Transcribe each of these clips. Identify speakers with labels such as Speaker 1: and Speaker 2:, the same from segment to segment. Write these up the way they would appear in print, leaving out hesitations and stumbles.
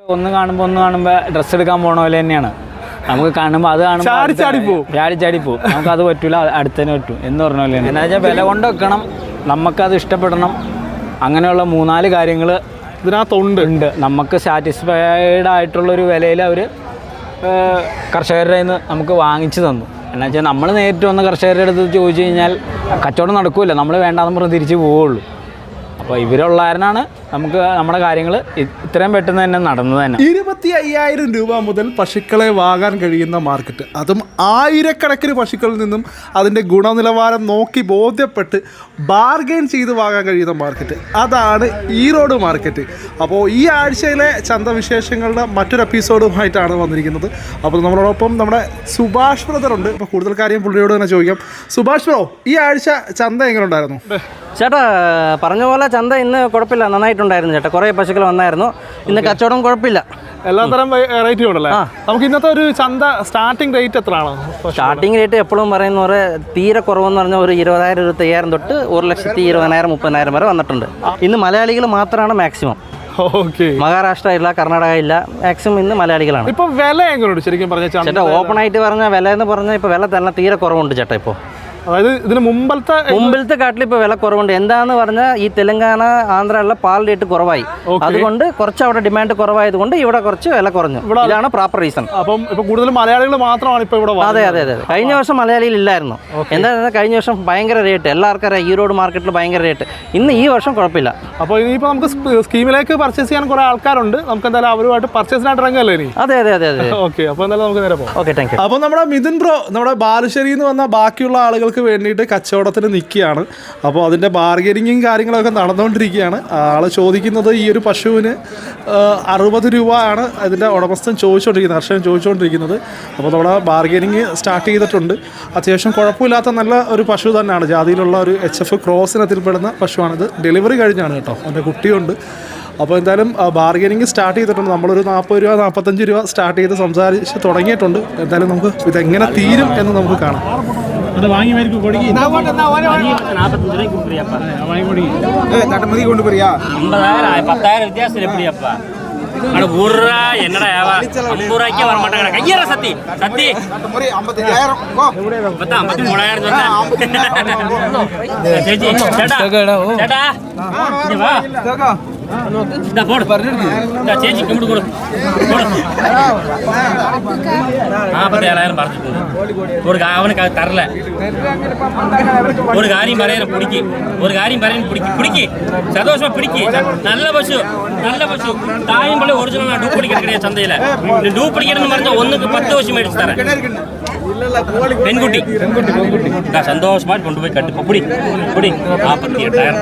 Speaker 1: ഒന്ന് കാണുമ്പോൾ ഡ്രസ്സ് എടുക്കാൻ പോണ പോലെ തന്നെയാണ്. നമുക്ക് കാണുമ്പോൾ അത് കാണുമ്പോൾ ചാടിപ്പോവും. നമുക്കത് പറ്റൂല, അടുത്തതിന് പറ്റും എന്ന് പറഞ്ഞ പോലെ തന്നെ. എന്താ വെച്ചാൽ വില കൊണ്ട് വെക്കണം, നമുക്കത് ഇഷ്ടപ്പെടണം. അങ്ങനെയുള്ള 3-4 കാര്യങ്ങൾ ഇതിനകത്തുണ്ട്. നമുക്ക് സാറ്റിസ്ഫൈഡ് ആയിട്ടുള്ളൊരു വിലയിൽ അവർ കർഷകരുടെ നിന്ന് നമുക്ക് വാങ്ങിച്ചു തന്നു. എന്നാ വെച്ചാൽ നമ്മൾ നേരിട്ട് വന്ന് കർഷകരുടെ അടുത്ത് ചോദിച്ചു കഴിഞ്ഞാൽ കച്ചവടം നടക്കില്ല, നമ്മൾ വേണ്ടാന്ന് പറഞ്ഞ് തിരിച്ച് പോവുള്ളൂ. അപ്പോൾ ഇവരുള്ളാരനാണ് നമുക്ക് നമ്മുടെ കാര്യങ്ങൾ ഇത്രയും പെട്ടെന്ന് തന്നെ നടന്നത് തന്നെ.
Speaker 2: 25,000 രൂപ മുതൽ പശുക്കളെ വാങ്ങാൻ കഴിയുന്ന മാർക്കറ്റ്, അതും ആയിരക്കണക്കിന് പശുക്കളിൽ നിന്നും അതിൻ്റെ ഗുണനിലവാരം നോക്കി ബോധ്യപ്പെട്ട് ബാർഗെയിൻ ചെയ്ത് വാങ്ങാൻ കഴിയുന്ന മാർക്കറ്റ്, അതാണ് ഈറോഡ് മാർക്കറ്റ്. അപ്പോൾ ഈ ആഴ്ചയിലെ ചന്തവിശേഷങ്ങളുടെ മറ്റൊരു എപ്പിസോഡുമായിട്ടാണ് വന്നിരിക്കുന്നത്. അപ്പോൾ നമ്മളോടൊപ്പം നമ്മുടെ സുഭാഷ് ബ്രദർ ഉണ്ട്. അപ്പോൾ കൂടുതൽ കാര്യം പുള്ളിയോട് തന്നെ ചോദിക്കാം. സുഭാഷ് ബ്രോ, ഈ ആഴ്ച ചന്ത എങ്ങനെ ഉണ്ടായിരുന്നു?
Speaker 3: ചേട്ടാ പറഞ്ഞ പോലെ ചന്ത ഇന്ന് കുഴപ്പമില്ല, നന്നായിട്ടുണ്ടായിരുന്നു ചേട്ടാ. കുറേ പശുക്കൾ വന്നായിരുന്നു. ഇന്ന് കച്ചവടം കുഴപ്പമില്ല,
Speaker 2: എല്ലാത്തരം റേറ്റും ഉണ്ടല്ലേ. നമുക്ക് ഇന്നത്തെ ഒരു ചന്ത സ്റ്റാർട്ടിംഗ് റേറ്റ് എത്രയാണ്?
Speaker 3: സ്റ്റാർട്ടിംഗ് റേറ്റ് എപ്പോഴും പറയുന്ന പോലെ തീരെ കുറവെന്ന് പറഞ്ഞാൽ ഒരു 20,000 25,000 തൊട്ട് 1,20,000 30,000 വരെ വന്നിട്ടുണ്ട്. ഇന്ന് മലയാളികൾ മാത്രമാണ് മാക്സിമം. മഹാരാഷ്ട്ര ഇല്ല, കർണാടക ഇല്ല, മാക്സിമം ഇന്ന് മലയാളികളാണ്.
Speaker 2: ഇപ്പൊ വില എങ്ങനെയുണ്ട് ശരിക്കും പറഞ്ഞാൽ?
Speaker 3: ചേട്ടാ ഓപ്പൺ ആയിട്ട് പറഞ്ഞാൽ വില എന്ന് പറഞ്ഞാൽ ഇപ്പോൾ വില തന്നെ തീരെ കുറവുണ്ട് ചേട്ടാ. ഇപ്പോൾ
Speaker 2: അതായത് ഇതിന് മുമ്പത്തെ
Speaker 3: കാട്ടിൽ ഇപ്പോൾ വില കുറവുണ്ട്. എന്താന്ന് പറഞ്ഞാൽ ഈ തെലങ്കാന ആന്ധ്രയുള്ള പാൽ റേറ്റ് കുറവായി, അതുകൊണ്ട് കുറച്ച് അവിടെ ഡിമാൻഡ് കുറവായതുകൊണ്ട് ഇവിടെ കുറച്ച് വില കുറഞ്ഞു. ഇതാണ് പ്രോപ്പർ റീസൺ.
Speaker 2: അപ്പം ഇപ്പൊ കൂടുതൽ മലയാളികൾ മാത്രമാണ് ഇപ്പോൾ ഇവിടെ.
Speaker 3: അതെ. കഴിഞ്ഞ വർഷം മലയാളിയിൽ ഇല്ലായിരുന്നു. എന്താ കഴിഞ്ഞ വർഷം ഭയങ്കര റേറ്റ്, എല്ലാവർക്കും അറിയാം ഈറോഡ് മാർക്കറ്റിൽ ഭയങ്കര റേറ്റ്. ഇന്ന് ഈ വർഷം കുഴപ്പമില്ല.
Speaker 2: അപ്പോൾ ഇനിയിപ്പോൾ നമുക്ക് സ്കീമിലേക്ക് പർച്ചേസ് ചെയ്യാൻ കുറെ ആൾക്കാരുണ്ട്. നമുക്ക് എന്തായാലും അവരുമായിട്ട് പർച്ചേസിനായിട്ട് ഇറങ്ങല്ലേ ഇനി?
Speaker 3: അതെ.
Speaker 2: ഓക്കെ, അപ്പോൾ എന്തായാലും നമുക്ക് നേരെ പോകാം.
Speaker 3: Okay, thank you.
Speaker 2: അപ്പോൾ നമ്മുടെ മിഥുൻ ബ്രോ നമ്മുടെ ബാലുശ്ശേരിയിൽ നിന്ന് വന്ന ബാക്കിയുള്ള ആളുകൾക്ക് വേണ്ടിയിട്ട് കച്ചവടത്തിന് നിൽക്കുകയാണ്. അപ്പോൾ അതിൻ്റെ ബാർഗനിങ്ങും കാര്യങ്ങളൊക്കെ നടന്നുകൊണ്ടിരിക്കുകയാണ്. ആൾ ചോദിക്കുന്നത് ഈ ഒരു പശുവിന് 60 രൂപയാണ് അതിൻ്റെ ഉടമസ്ഥൻ ചോദിച്ചുകൊണ്ടിരിക്കുന്നത്, കർഷകൻ ചോദിച്ചുകൊണ്ടിരിക്കുന്നത്. അപ്പോൾ നമ്മുടെ ബാർഗനിങ് സ്റ്റാർട്ട് ചെയ്തിട്ടുണ്ട്. അത്യാവശ്യം കുഴപ്പമില്ലാത്ത നല്ല ഒരു പശു തന്നെയാണ്, ജാതിയിലുള്ള ഒരു HF ക്രോസിനത്തിൽപ്പെടുന്ന പശുവാണിത്. ഡെലിവറി കഴിഞ്ഞാണ് കേട്ടോ, അതിൻ്റെ കുട്ടിയുണ്ട്. അപ്പോൾ എന്തായാലും ബാർഗനിങ് സ്റ്റാർട്ട് ചെയ്തിട്ടുണ്ട്. നമ്മളൊരു 40 രൂപ 45 രൂപ സ്റ്റാർട്ട് ചെയ്ത് സംസാരിച്ച് തുടങ്ങിയിട്ടുണ്ട്. എന്തായാലും നമുക്ക് ഇതെങ്ങനെ തീരും എന്ന് നമുക്ക് കാണാം.
Speaker 4: ചേച്ചി കുമ്പിട്ട് കൊടു അവനക്ക് തരല. ഒരു കാര്യം പറയാൻ പിടിക്ക് സന്തോഷமா പിടിക്ക്. നല്ല പശു തായും പള്ളി ഒറിജിനൽ ഡ്യൂപ്ലിക്കേറ്റ് കിട്ടിയ ചന്തയില്. ഡ്യൂപ്ലിക്കേറ്റ് എന്ന് പറഞ്ഞാൽ 1ക്ക് 10 പശു മേടിച്ചു തരാം. പെൺകുട്ടി സന്തോഷമായിട്ട് കൊണ്ടുപോയി കട്ടിപ്പോ പുടി 48,000.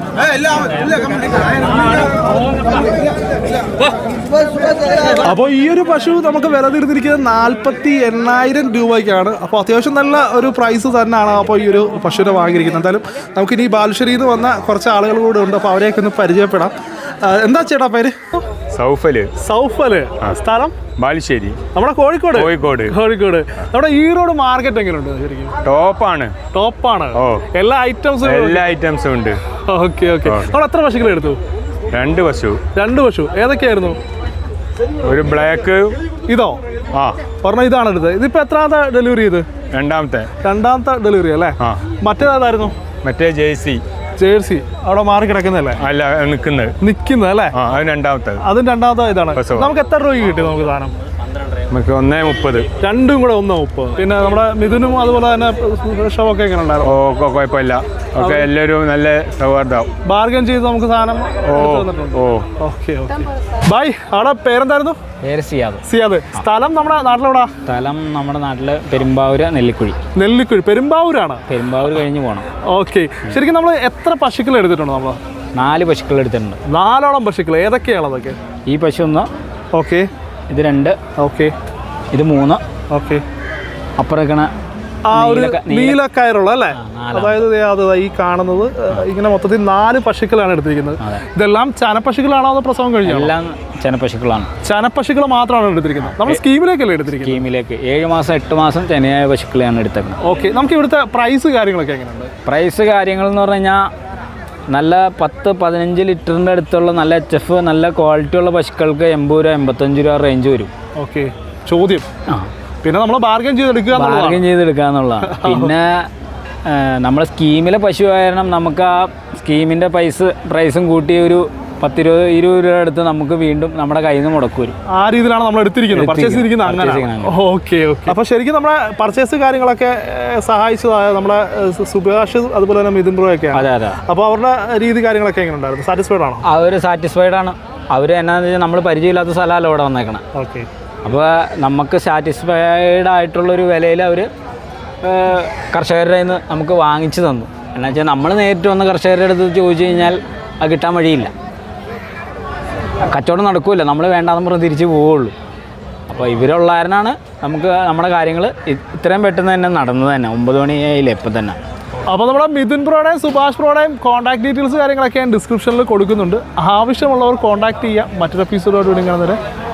Speaker 2: അപ്പോൾ ഈ ഒരു പശു നമുക്ക് വില തീർത്തിരിക്കുന്നത് 48,000 രൂപയ്ക്കാണ്. അപ്പോൾ അത്യാവശ്യം നല്ല ഒരു പ്രൈസ് തന്നെയാണ് അപ്പോൾ ഈ ഒരു പശുവിനെ വാങ്ങിയിരിക്കുന്നത്. എന്തായാലും നമുക്കിനി ബാലുശ്ശേരിയിൽ നിന്ന് വന്ന കുറച്ച് ആളുകൾ കൂടെ ഉണ്ട്. അപ്പോൾ അവരെയൊക്കെ ഒന്ന് പരിചയപ്പെടാം. എന്താ ചേട്ടാ പേര്?
Speaker 5: സൗഫല്.
Speaker 2: സ്ഥലം?
Speaker 5: ബാലുശ്ശേരി.
Speaker 2: നമ്മുടെ കോഴിക്കോട്. നമ്മുടെ ഈറോഡ് മാർക്കറ്റ് എങ്ങനെയുണ്ട്? ശരിക്കും ടോപ്പാണ്. എല്ലാ ഐറ്റംസും ഉണ്ട്. ഓക്കെ. നമ്മൾ എത്ര പശുക്കളെ എടുത്തു?
Speaker 5: 2 പശു.
Speaker 2: ഏതൊക്കെയായിരുന്നു?
Speaker 5: ഒരു ബ്ലാക്ക്.
Speaker 2: ഇതോ? പറഞ്ഞ ഇതാണ് എടുത്തത്. ഇതിപ്പോ എത്രാമത്തെ ഡെലിവറി ചെയ്ത്? രണ്ടാമത്തെ ഡെലിവറി അല്ലേ? മറ്റേതായിരുന്നു?
Speaker 5: മറ്റേ ജേഴ്സി
Speaker 2: അവിടെ മാറി കിടക്കുന്നല്ലേ?
Speaker 5: അല്ല, നിക്കുന്നത്
Speaker 2: അല്ലേ?
Speaker 5: അതും
Speaker 2: രണ്ടാമത്തെ ഇതാണ്. നമുക്ക് എത്ര രൂപ കിട്ടി നമുക്ക് സാധനം?
Speaker 5: നമുക്ക് 1.30.
Speaker 2: രണ്ടും കൂടെ 1.30. പിന്നെ നമ്മുടെ മിഥുനും അതുപോലെ തന്നെ ഷോക്കെ എങ്ങനെ ഉണ്ടായിരുന്നു?
Speaker 5: കുഴപ്പമില്ല. ഓക്കെ, എല്ലാവരും നല്ല സൗഹാർദ്ദം.
Speaker 2: ബാർഗൻ ചെയ്ത് നമുക്ക് സാധനം. ഓക്കെ. ബൈ. അവിടെ പേരെന്തായിരുന്നു?
Speaker 1: പേര്
Speaker 2: സിയാദ്. സ്ഥലം നമ്മുടെ നാട്ടിലെവിടാ?
Speaker 1: സ്ഥലം നമ്മുടെ നാട്ടില് പെരുമ്പാവൂര്, നെല്ലിക്കുഴി.
Speaker 2: പെരുമ്പാവൂരാണ്.
Speaker 1: പെരുമ്പാവൂർ കഴിഞ്ഞ് പോകണം.
Speaker 2: ഓക്കെ. ശരിക്കും നമ്മൾ എത്ര പശുക്കൾ എടുത്തിട്ടുണ്ട്? നമ്മൾ
Speaker 1: 4 പശുക്കൾ എടുത്തിട്ടുണ്ട്.
Speaker 2: 4ഓളം പശുക്കൾ. ഏതൊക്കെയാണ് അതൊക്കെ?
Speaker 1: ഈ പശു 1.
Speaker 2: ഓക്കെ.
Speaker 1: ഇത് 2.
Speaker 2: ഓക്കെ.
Speaker 1: ഇത് 3.
Speaker 2: ഓക്കെ.
Speaker 1: അപ്പുറക്കണ
Speaker 2: ആ ഒരു നീലക്കയറുള്ള അല്ലേ? അതായത് ഈ കാണുന്നത് ഇങ്ങനെ മൊത്തത്തിൽ 4 പശുക്കളാണ് എടുത്തിരിക്കുന്നത്. ഇതെല്ലാം ചനപ്പശുക്കളാണോ അതോ പ്രസവം കഴിഞ്ഞോ?
Speaker 1: എല്ലാം ചനപ്പശുക്കളാണ്.
Speaker 2: ചനപ്പശുക്കൾ മാത്രമാണ് എടുത്തിരിക്കുന്നത്. നമ്മൾ സ്കീമിലേക്കല്ലേ എടുത്തിരിക്കുന്നത്?
Speaker 1: സ്കീമിലേക്ക് 7 മാസം 8 മാസം ചെനയായ പശുക്കളെയാണ് എടുത്തേക്കുന്നത്.
Speaker 2: ഓക്കെ. നമുക്ക് ഇവിടുത്തെ പ്രൈസ് കാര്യങ്ങളൊക്കെ എങ്ങനെയുണ്ട്?
Speaker 1: പ്രൈസ് കാര്യങ്ങൾ എന്ന് പറഞ്ഞു കഴിഞ്ഞാൽ നല്ല 10-15 ലിറ്ററിൻ്റെ അടുത്തുള്ള നല്ല HF നല്ല ക്വാളിറ്റി ഉള്ള പശുക്കൾക്ക് 80 രൂപ 85 രൂപ റേഞ്ച് വരും.
Speaker 2: ഓക്കെ, ചോദ്യം. പിന്നെ നമ്മൾ ബാർഗൻ
Speaker 1: ചെയ്തെടുക്കുക എന്നുള്ളതാണ്. പിന്നെ നമ്മൾ സ്കീമിലെ പശു കാരണം നമുക്ക് ആ സ്കീമിൻ്റെ പ്രൈസും കൂട്ടി ഒരു 10-20 രൂപ അടുത്ത് നമുക്ക് വീണ്ടും നമ്മുടെ കയ്യിൽ നിന്ന് മുടക്ക് വരും.
Speaker 2: ആ രീതിയിലാണ് നമ്മൾ എടുത്തിരിക്കുന്നത്. Okay okay. അപ്പോൾ ശരിക്കും നമ്മുടെ പർച്ചേസ് കാര്യങ്ങളൊക്കെ സഹായിച്ചതായ നമ്മുടെ സുഭാഷ് അതുപോലെ തന്നെ മിഥുൻ ബ്രോ ഒക്കെ.
Speaker 1: അതെ അതെ.
Speaker 2: അപ്പോൾ അവരുടെ രീതി കാര്യങ്ങളൊക്കെ എങ്ങനെ ഉണ്ടായിരുന്നു? സാറ്റിസ്ഫൈഡ് ആണോ?
Speaker 1: അവർ സാറ്റിസ്ഫൈഡ് ആണ്. അവർ എന്നാന്ന് വെച്ചാൽ നമ്മൾ പരിചയമില്ലാത്ത സ്ഥലമല്ല ഇവിടെ വന്നേക്കണം.
Speaker 2: ഓക്കെ.
Speaker 1: അപ്പോൾ നമുക്ക് സാറ്റിസ്ഫൈഡ് ആയിട്ടുള്ളൊരു വിലയിൽ അവർ കർഷകരുടെ നിന്ന് നമുക്ക് വാങ്ങിച്ചു തന്നു. എന്നാ വെച്ചാൽ നമ്മൾ നേരിട്ട് വന്ന് കർഷകരുടെ അടുത്ത് ചോദിച്ചു കഴിഞ്ഞാൽ അത് കിട്ടാൻ വഴിയില്ല, കച്ചവടം നടക്കില്ല, നമ്മൾ വേണ്ടാന്ന് പറഞ്ഞ് തിരിച്ച് പോവുള്ളൂ. അപ്പോൾ ഇവരുള്ളാരനാണ് നമുക്ക് നമ്മുടെ കാര്യങ്ങൾ ഇത്രയും പെട്ടെന്ന് തന്നെ നടന്നത് തന്നെ. 9 മണിയായില്ലേ ഇപ്പം തന്നെ.
Speaker 2: അപ്പോൾ നമ്മുടെ മിഥുൻ ബ്രോയുടെയും സുഭാഷ് ബ്രോയുടെയും കോൺടാക്ട് ഡീറ്റെയിൽസ് കാര്യങ്ങളൊക്കെ ഞാൻ ഡിസ്ക്രിപ്ഷനിൽ കൊടുക്കുന്നുണ്ട്. ആവശ്യമുള്ളവർ കോൺടാക്ട് ചെയ്യുക. മറ്റൊരു എപ്പിസോഡോട് കൂടി കാണുന്നത്